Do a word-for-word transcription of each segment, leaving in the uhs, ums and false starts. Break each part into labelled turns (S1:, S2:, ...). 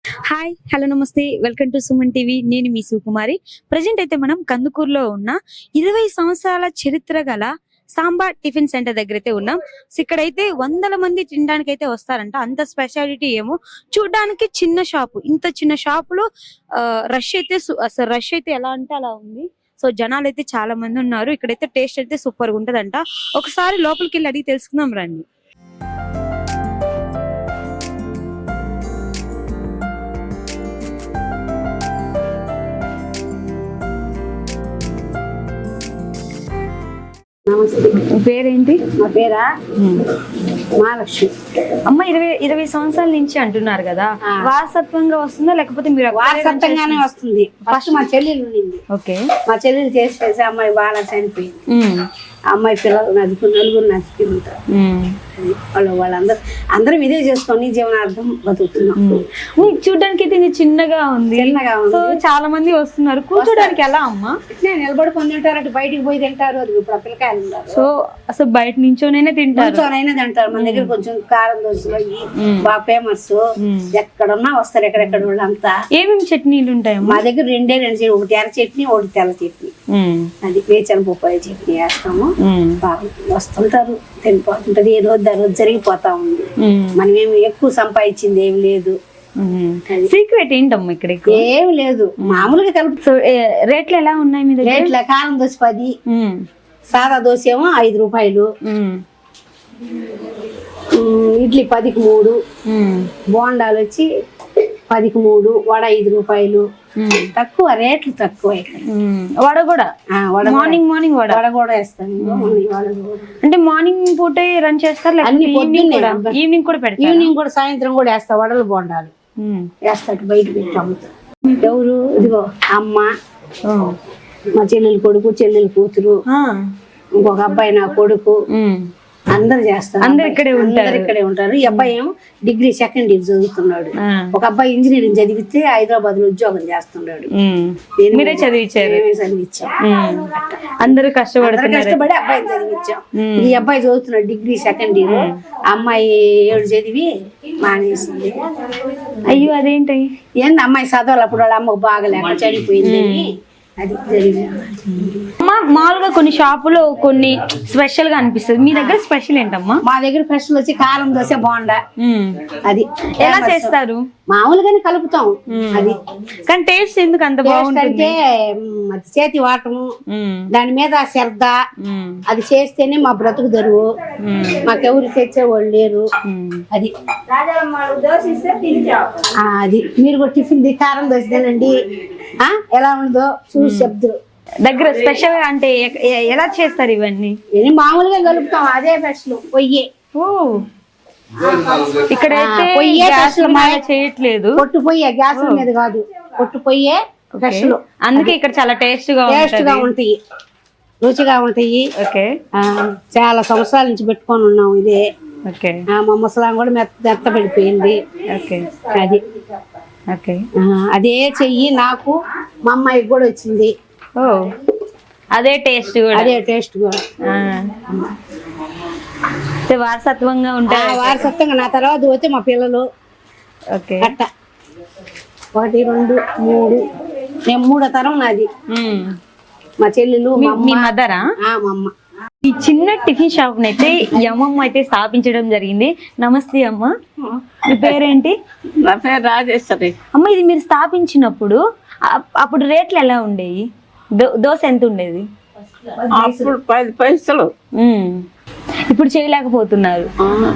S1: Hi hello నమస్తే welcome to Suman TV. నేను మీ సుకుమారి. ప్రజెంట్ అయితే మనం కందుకూరులో ఉన్న ఇరవై సంవత్సరాల చరిత్ర గల సాంబా టిఫిన్ సెంటర్ దగ్గర అయితే ఉన్నాం. సో ఇక్కడైతే వందల మంది తినడానికి అయితే వస్తారంట. అంత స్పెషాలిటీ ఏమో. చూడడానికి చిన్న షాపు, ఇంత చిన్న షాపులో రష్ అయితే అసలు రష్ అయితే ఎలా అంటే అలా ఉంది. సో జనాలు అయితే చాలా మంది ఉన్నారు. ఇక్కడైతే టేస్ట్ అయితే సూపర్ గా ఉంటదంట. ఒకసారి లోపలికి వెళ్ళి అడిగి తెలుసుకుందాం రండి.
S2: నమస్తే.
S1: పేరేంటి?
S2: మా పేరా మహాలక్ష్మి.
S1: అమ్మ, ఇరవై ఇరవై సంవత్సరాల నుంచి అంటున్నారు కదా, వారసత్వంగా వస్తుందా లేకపోతే మీరు
S2: వారసత్వంగానే వస్తుంది? ఫస్ట్ మా చెల్లెలు ఉండింది.
S1: ఓకే.
S2: మా చెల్లెలు చేసేసి అమ్మాయి బాగా చనిపోయింది. అమ్మాయి పిల్లలు నదుకు నలుగురు నచ్చుకుంటారు. వాళ్ళు వాళ్ళందరూ అందరం ఇదే చేసుకొని జీవనార్థం బతుకుతున్నాం.
S1: చూడడానికి అయితే చిన్నగా ఉంది.
S2: చిన్నగా ఉంది.
S1: చాలా మంది వస్తున్నారు. కూర్చోడానికి ఎలా అమ్మా?
S2: నిలబడుకొని తింటారు, అటు బయటికి పోయి తింటారు. అది ఇప్పుడు పిల్లకాయలు ఉన్నారు.
S1: సో అసలు బయట నుంచోనైనా తింటారు,
S2: నుంచోనైనా తింటారు. మన దగ్గర కొంచెం కారం దోశలు బాగా ఫేమస్. ఎక్కడున్నా వస్తారు, ఎక్కడెక్కడ వాళ్ళంతా.
S1: ఏమేమి చట్నీలు ఉంటాయి
S2: మా దగ్గర? రెండే రెండు చట్నీ, ఒకటి ఎర్ర చట్నీ, ఒకటి తెల్ల చట్నీ. అది వేచన బొప్పాయి చట్నీ వేస్తాము. బాగా వస్తుంటారు, తినిపోతుంటది. ఏ రోజు రోజు జరిగిపోతా ఉంది. మనం ఏమి ఎక్కువ సంపాదించింది ఏమి లేదు.
S1: సీక్రెట్ ఏంటమ్మా ఇక్కడ?
S2: ఏమి లేదు, మామూలుగా కలుపు.
S1: రేట్లు ఎలా ఉన్నాయి మీ దగ్గర?
S2: రేట్ల కారం దోశ పది, సాదా దోశ ఏమో ఐదు రూపాయలు, ఇడ్లీ పదికి మూడు, బోండాలు వచ్చి పదికి మూడు, వడ ఐదు రూపాయలు. తక్కువ రేట్లు తక్కువ.
S1: వడ కూడా మార్నింగ్ మార్నింగ్ వడ
S2: వడ కూడా వేస్తాను.
S1: అంటే మార్నింగ్ పూట రన్ చేస్తారు,
S2: అన్ని పొద్దున్నే,
S1: ఈవినింగ్ కూడా పెడతారు.
S2: ఈవినింగ్ కూడా సాయంత్రం కూడా వేస్తా. వడలు బోండాలు వేస్తాడు, బయట పెట్టాము. ఎవరు? ఇదిగో అమ్మ, మా చెల్లెలు కొడుకు, చెల్లెలు కూతురు, ఇంకొక అబ్బాయి నా కొడుకు, అందరు చేస్తారు.
S1: అందరు ఇక్కడే ఉంటారు.
S2: ఇక్కడే ఉంటారు. ఈ అబ్బాయి ఏమో డిగ్రీ సెకండ్ ఇయర్ చదువుతున్నాడు. ఒక అబ్బాయి ఇంజనీరింగ్ చదివితే హైదరాబాద్ లో ఉద్యోగం చేస్తున్నాడు.
S1: మీరే చదివించారు?
S2: చదివించాం.
S1: అందరూ కష్టపడి
S2: కష్టపడి అబ్బాయిని చదివించాం. ఈ అబ్బాయి చదువుతున్నాడు డిగ్రీ సెకండ్ ఇయర్. అమ్మాయి ఏడు చదివి మానేసింది.
S1: అయ్యో, అదేంటి?
S2: ఏంది అమ్మాయి చదవాలి, అప్పుడు వాళ్ళ అమ్మకు బాగలేక చనిపోయింది. అది
S1: అమ్మా, మామూలుగా కొన్ని షాపులో కొన్ని స్పెషల్ గా అనిపిస్తుంది. మీ దగ్గర స్పెషల్ ఏంటమ్మా?
S2: మా దగ్గర స్పెషల్ వచ్చి కారం దోశ, బోండా. అది
S1: ఎలా చేస్తారు?
S2: మామూలుగానే కలుపుతాం. అది
S1: కానీ టేస్ట్ ఎందుకు అంత బాగుంటుంది?
S2: చేతి వాటము, దాని మీద శ్రద్ధ. అది చేస్తేనే మా బ్రతుకు తెరువు. మాకెవరు తెచ్చేవాళ్ళు లేరు. అది అది మీరు కూడా టిఫిన్ కారం దోశ తినండి, ఎలా ఉందో చూసి చెప్తారు.
S1: దగ్గర స్పెషల్ అంటే ఎలా చేస్తారు ఇవన్నీ?
S2: ఇది మామూలుగా కలుపుతాం, అదే స్పెషల్. పొయ్యి
S1: ఇక్కడైతే చేయట్లేదు,
S2: పొట్టు పొయ్యే, గ్యాస్ మీద కాదు, పొట్టు పొయ్యే స్పెషల్.
S1: అందుకే ఇక్కడ చాలా టేస్ట్ గా
S2: టేస్ట్ గా ఉంటాయి, రుచిగా ఉంటాయి. చాలా సంవత్సరాల నుంచి పెట్టుకొని ఉన్నాం ఇదే. మా ముసలాం కూడా మెత్త మెత్త పడిపోయింది. అది అదే చెయ్యి నాకు, మా అమ్మాయికి కూడా వచ్చింది.
S1: ఓ, అదే టేస్ట్ కూడా.
S2: అదే టేస్ట్ కూడా
S1: వారసత్వంగా ఉంటాయి.
S2: వారసత్వంగా నా తర్వాత పోతే మా పిల్లలు అట్ట ఒకటి రెండు మూడు, నేను మూడో తరం నాది. మా చెల్లెలు,
S1: మీ మదరా?
S2: మా అమ్మ.
S1: ఈ చిన్న టిఫిన్ షాప్ అయితే అమ్మమ్మ అయితే స్థాపించడం జరిగింది. నమస్తే అమ్మ, మీ పేరేంటి?
S3: నా పేరు రాజేశ్వరి.
S1: అమ్మ, ఇది మీరు స్థాపించినప్పుడు అప్పుడు రేట్లు ఎలా ఉండేవి? దోశ ఎంత ఉండేది?
S3: అప్పుడు పది పైసలు.
S1: ఇప్పుడు చేయలేకపోతున్నారు.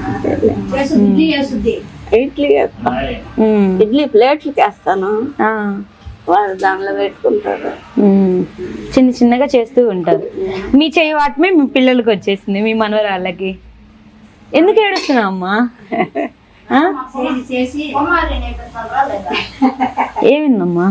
S3: ఇడ్లీ ఇడ్లీ ప్లేట్లకి వేస్తాను, వాళ్ళు దానిలో పెట్టుకుంటారు.
S1: చిన్న చిన్నగా చేస్తూ ఉంటారు. మీ చేయి వాటమే మీ పిల్లలకి వచ్చేసింది, మీ మనవరాళ్ళకి. ఎందుకు ఏడుస్తున్నావు అమ్మా? ఏమిందమ్మా?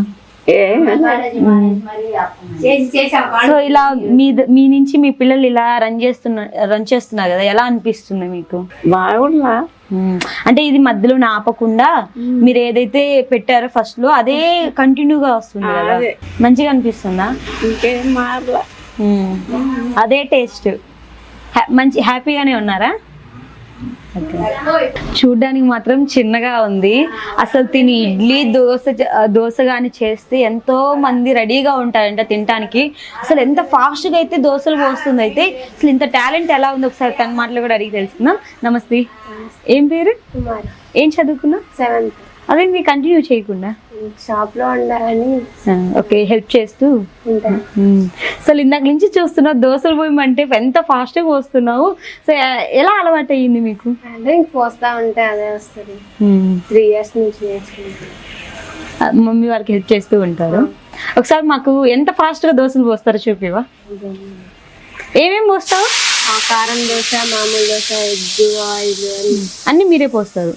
S1: సో ఇలా మీ మీ నుంచి మీ పిల్లలు ఇలా రన్ చేస్తున్నా రన్ చేస్తున్నారు కదా, ఎలా అనిపిస్తుంది మీకు?
S3: బాగుందా
S1: అంటే ఇది మధ్యలో ఆపకుండా మీరు ఏదైతే పెట్టారో ఫస్ట్ లో అదే కంటిన్యూగా వస్తుంది కదా, మంచిగా అనిపిస్తుందా?
S3: ఇంకేం మారలా,
S1: అదే టేస్ట్. మంచి హ్యాపీగానే ఉన్నారా? చూడ్డానికి మాత్రం చిన్నగా ఉంది. అసలు తిని ఇడ్లీ దోశ దోశ కానీ చేస్తే ఎంతో మంది రెడీగా ఉంటారంట తినడానికి. అసలు ఎంత ఫాస్ట్గా అయితే దోశలు పోస్తుంది. అయితే అసలు ఇంత టాలెంట్ ఎలా ఉంది ఒకసారి తన మాటలు కూడా అడిగి తెలుసుకుందాం. నమస్తే, ఏం పేరు? ఏం చదువుకున్నా?
S3: సెవెంత్.
S1: అదే మీరు కంటిన్యూ చేయకుండా
S3: షాప్ లో ఉండాలని
S1: ఓకే హెల్ప్ చేస్తూ అసలు ఇందాక నుంచి చూస్తున్నావు దోశలు పోయమంటే ఎంత ఫాస్ట్గా పోస్తున్నావు. సో ఎలా అలవాటు అయ్యింది మీకు?
S3: అంటే పోస్తా ఉంటే అదే వస్తుంది. త్రీ ఇయర్స్ నుంచి నేర్చుకుంటాను.
S1: మమ్మీ వాళ్ళకి హెల్ప్ చేస్తూ ఉంటారు. ఒకసారి మాకు ఎంత ఫాస్ట్గా దోశలు పోస్తారో చూపివా? ఏమేమి పోస్తావు?
S3: కారం దోశ, మామూలు దోశ, ఎగ్, ఆయిల్
S1: అన్ని మీరే పోస్తారు.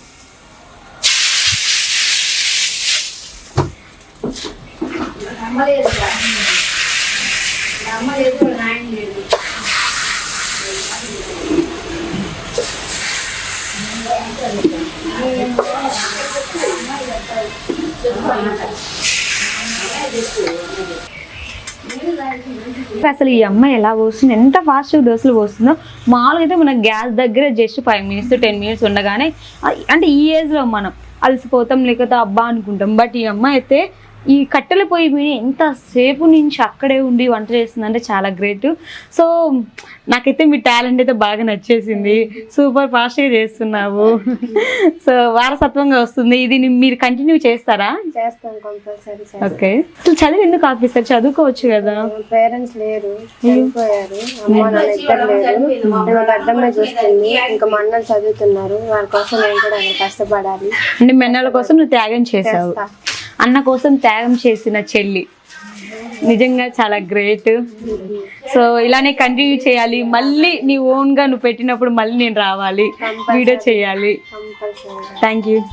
S1: అసలు ఈ అమ్మాయి ఎలా పోస్తుంది, ఎంత ఫాస్ట్గా దోశలు పోస్తుందో. మామూలుగా అయితే మన గ్యాస్ దగ్గర just five minutes ten minutes ఉండగానే అంటే ఈ ఏజ్లో మనం అలసిపోతాం లేకపోతే అబ్బా అనుకుంటాం. బట్ ఈ అమ్మాయి అయితే ఈ కట్టెల పొయ్యి మీద ఎంతసేపు నుంచి అక్కడే ఉండి వంట చేస్తుందంటే చాలా గ్రేట్. సో నాకైతే మీ టాలెంట్ అయితే బాగా నచ్చేసింది. సూపర్ ఫాస్ట్గా చేస్తున్నావు. సో వారసత్వంగా వస్తుంది. ఇది మీరు కంటిన్యూ చేస్తారా?
S3: చేస్తాను కంపల్సరీ.
S1: ఓకే, అసలు చదువు ఎందుకు ఆపిస్తారు? చదువుకోవచ్చు కదా.
S3: పేరెంట్స్ లేరు, చనిపోయారు. అమ్మ నాన్న ఇద్దరు లేరు. నేను అడ్డమే చూస్తుంది. ఇంకా మా అన్నలు చదువుతున్నారు. వాళ్ళ కోసం నేను కూడా కష్టపడాలి.
S1: అంటే మెన్నల కోసం నువ్వు త్యాగం చేసావు. అన్న కోసం త్యాగం చేసిన చెల్లి నిజంగా చాలా గ్రేట్. సో ఇలానే కంటిన్యూ చేయాలి. మళ్ళీ నీ ఓన్ గా నువ్వు పెట్టినప్పుడు మళ్ళీ నేను రావాలి, వీడియో చేయాలి. Thank you.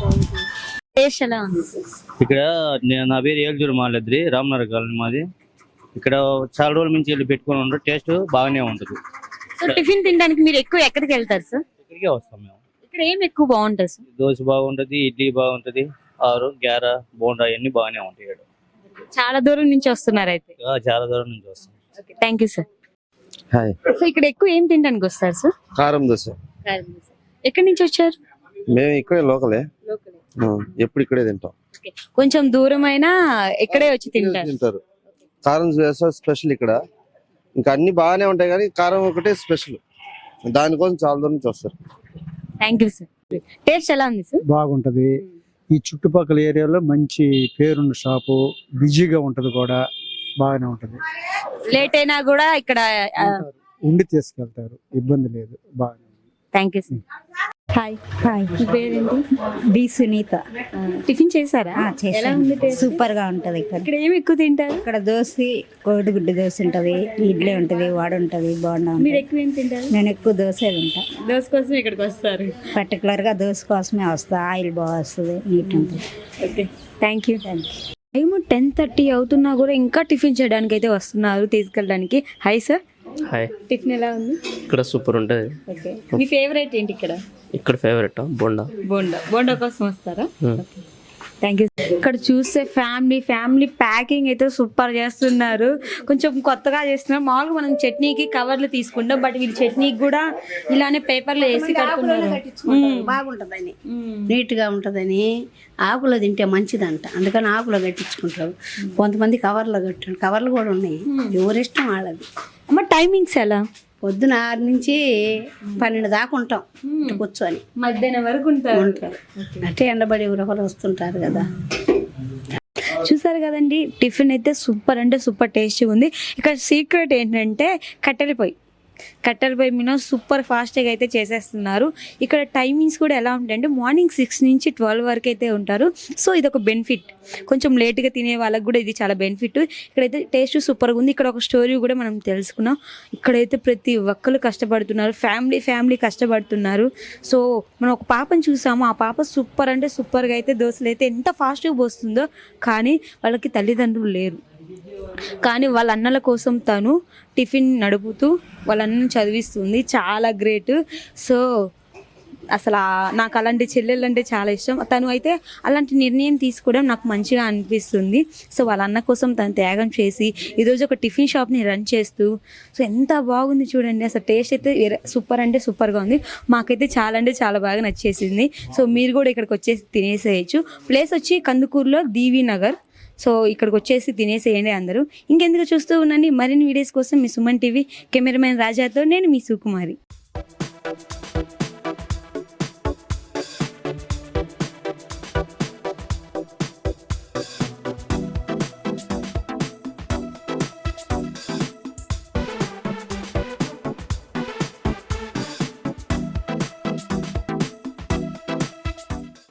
S4: ఇక్కడ నేను నా పేరు ఏల్జూరు మాలద్రి, రామనగర్ కాలనీ మాది. ఇక్కడ చాలా రోజుల నుంచి వెళ్ళి పెట్టుకుని ఉంటారు. టేస్ట్ బాగానే ఉంటుంది.
S1: సో టిఫిన్ తినడానికి మీరు ఎక్కువ ఎక్కడికి వెళ్తారు సార్?
S4: ఇక్కడికే వస్తాం మేము.
S1: ఇక్కడ ఏం ఎక్కువ బాగుంటుంది సార్?
S4: దోశ బాగుంటది, ఇడ్లీ బాగుంటది, ఆరు గ్యార బోండా అన్ని బాగానే ఉంటాయి. ఇక్కడ
S1: చాలా దూరం నుంచి వస్తున్నారు అయితే?
S4: చాలా దూరం నుంచి వస్తాం.
S1: Thank you sir.
S5: Hi.
S1: So ఇక్కడ ఎక్కువ ఏం తినడానికి వస్తారు సార్?
S5: కారం దోశ.
S1: ఎక్కడి నుంచి వచ్చారు?
S5: మేము ఇక్కడే లోకలే, ఎప్పుడు ఇక్కడే తింటాం.
S1: కొంచెం దూరం అయినా ఇక్కడే వచ్చి తింటారు.
S5: తింటారు. కారం దోశ స్పెషల్ ఇక్కడ. ఇంకా అన్ని బాగానే ఉంటాయి కానీ కారం ఒకటే స్పెషల్. దానికోసం చాలా దూరం నుంచి వస్తారు.
S1: Thank you sir. టేస్ట్ ఎలా ఉంది సార్?
S6: బాగుంటది. ఈ చుట్టుపక్కల ఏరియాలో మంచి పేరున్న షాపు, బిజీగా ఉంటది కూడా, బాగానే ఉంటది.
S1: లేట్ అయినా కూడా ఇక్కడ
S6: ఉండి తీసుకెళ్తారు, ఇబ్బంది లేదు. బాగా.
S1: Thank you sir. Hi.
S7: Hi.
S1: పేరేంటి?
S7: బి సునీత.
S1: టిఫిన్ చేశారా? ఎలా ఉంది టేస్ట్?
S7: సూపర్ గా ఉంటది. ఇక్కడ
S1: ఇక్కడ ఏమి ఎక్కువ తింటారు?
S7: ఇక్కడ దోశ, కోడిగుడ్డు దోశ ఉంటది, ఇడ్లీ ఉంటది, వాడ ఉంటది, బాగుండా
S1: మీరు
S7: ఉంటది.
S1: ఎక్కువ ఏం తింటారు?
S7: నేను ఎక్కువ దోశ తింటా.
S1: దోశ కోసం ఇక్కడికి వస్తారు?
S7: పర్టికులర్ గా దోశ కోసమే వస్తా. ఆయిల్ బాగా వస్తుంది, నీట్ ఉంటుంది.
S1: Okay, thank you. Time ten thirty అవుతున్నా కూడా ఇంకా టిఫిన్ చేయడానికి అయితే వస్తున్నారు, తీసుకెళ్ళడానికి. Hi sir.
S8: హాయ్.
S1: టిఫిన్ ఎలా ఉంది?
S8: ఇక్కడ సూపర్ ఉంటుంది.
S1: ఓకే, మీ ఫేవరెట్ ఏంటి ఇక్కడ?
S8: ఇక్కడ ఫేవరెట్ బోండా.
S1: బోండా బోండా కోసం వస్తారా? Thank you. ఇక్కడ చూస్తే ఫ్యామిలీ ఫ్యామిలీ ప్యాకింగ్ అయితే సూపర్ చేస్తున్నారు. కొంచెం కొత్తగా చేస్తున్నారు. మామూలుగా మనం చట్నీకి కవర్లు తీసుకుంటాం, బట్ వీళ్ళు చట్నీకి కూడా ఇలానే పేపర్లు వేసి కట్టుకున్నారు.
S2: బాగుంటదని, నీట్ గా ఉంటదని. ఆకులో తింటే మంచిదంట, అందుకని ఆకులో కట్టించుకుంటారు. కొంతమంది కవర్లో కట్టారు. కవర్లు కూడా ఉన్నాయి, ఎవరిష్టం వాళ్ళది.
S1: అమ్మ టైమింగ్స్ ఎలా?
S2: పొద్దున ఆరు నుంచి పన్నెండు దాకా ఉంటాం కూర్చొని.
S1: మధ్యాహ్నం వరకు ఉంటారు.
S2: అంటే ఎండబడి ఎవరొకరు వస్తుంటారు కదా.
S1: చూసారు కదండి, టిఫిన్ అయితే సూపర్ అంటే సూపర్ టేస్టీ ఉంది. ఇక్కడ సీక్రెట్ ఏంటంటే కట్టెల పొయ్యి. కట్టెల పొయ్యి మీద సూపర్ ఫాస్ట్గా అయితే చేసేస్తున్నారు. ఇక్కడ టైమింగ్స్ కూడా ఎలా ఉంటాయంటే మార్నింగ్ సిక్స్ నుంచి ట్వెల్వ్ వరకు అయితే ఉంటారు. సో ఇది ఒక బెనిఫిట్. కొంచెం లేట్గా తినే వాళ్ళకి కూడా ఇది చాలా బెనిఫిట్. ఇక్కడైతే టేస్ట్ సూపర్గా ఉంది. ఇక్కడ ఒక స్టోరీ కూడా మనం తెలుసుకున్నాం. ఇక్కడైతే ప్రతి ఒక్కరు కష్టపడుతున్నారు, ఫ్యామిలీ ఫ్యామిలీ కష్టపడుతున్నారు. సో మనం ఒక పాపను చూసాము, ఆ పాప సూపర్ అంటే సూపర్గా అయితే దోశలు అయితే ఎంత ఫాస్ట్గా పోస్తుందో. కానీ వాళ్ళకి తల్లిదండ్రులు లేరు, కానీ వాళ్ళ అన్నల కోసం తను టిఫిన్ నడుపుతూ వాళ్ళ అన్నను చదివిస్తుంది. చాలా గ్రేట్. సో అసలు ఆ- నాకు అలాంటి చెల్లెళ్ళు అంటే చాలా ఇష్టం. తను అయితే అలాంటి నిర్ణయం తీసుకోవడం నాకు మంచిగా అనిపిస్తుంది. సో వాళ్ళ అన్న కోసం తను త్యాగం చేసి ఈరోజు ఒక టిఫిన్ షాప్ని రన్ చేస్తూ సో ఎంత బాగుంది చూడండి. అసలు టేస్ట్ అయితే సూపర్ అంటే సూపర్గా ఉంది. మాకైతే చాలా అంటే చాలా బాగా నచ్చేసింది. సో మీరు కూడా ఇక్కడికి వచ్చేసి తినేసేయచ్చు. ప్లేస్ వచ్చి కందుకూరులో దీవి నగర్. సో ఇక్కడికి వచ్చేసి తినేసేయండి అందరూ. ఇంకెందుకు చూస్తూ ఉండండి మరిన్ని వీడియోస్ కోసం మీ సుమన్ టీవీ కెమెరామెన్ రాజాతో నేను మీ సుకుమారి.